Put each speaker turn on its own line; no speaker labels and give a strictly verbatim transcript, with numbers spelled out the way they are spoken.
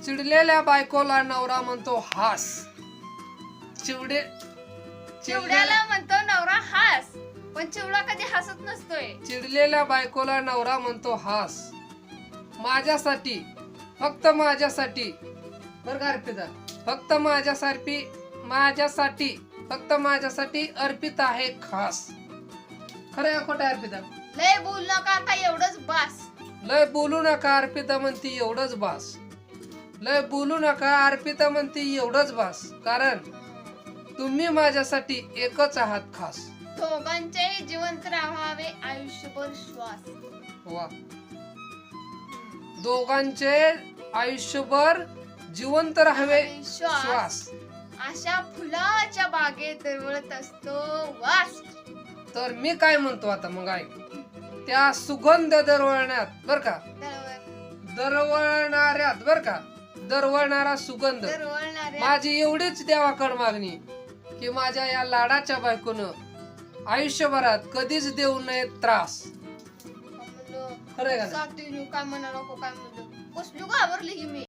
चिडलेल्या बायकोला नवरा म्हणतो हास. चिवडे
चिवड्याला म्हणतो नवरा हास, पण चिवडा कधी हसत नसतोय.
चिडलेल्या बायकोला नवरा म्हणतो हास. माझ्यासाठी, फक्त माझ्यासाठी बर का अर्पिता, फक्त माझ्यासाठी माझ्यासाठी फक्त माझ्यासाठी अर्पिता आहे खास. खरं आहे खोटं अर्पिता?
लय बोल नका आता, एवढंच बास.
लय बोलू नका अर्पिता म्हणती एवढंच बास. लय बोलू नका अर्पिता म्हणती एवढंच बास. कारण तुम्ही माझ्यासाठी एकच आहात खास.
दोघांचेही जिवंत राहावे आयुष्यभर श्वास.
वा. दोघांचे आयुष्यभर जिवंत राहावे
श्वास.
श्वास.
अशा फुलाच्या बागेत दरवळत असतो वास.
तर मी काय म्हणतो आता मग ऐक. त्या सुगंध दरवळण्यात बर का,
दरवळ-
दरवळणाऱ्यात बर का, दरवळणारा सुगंध
दरवळणाऱ्या
माझी एवढीच देवाकड मागणी की माझ्या या लाडाच्या बायकोनं आयुष्यभरात कधीच देऊ नये त्रास.
म्हणलं,
खरंय का नाही?
साथीने काय म्हणा नको काय म्हणलं, कसली घाबरली की मी.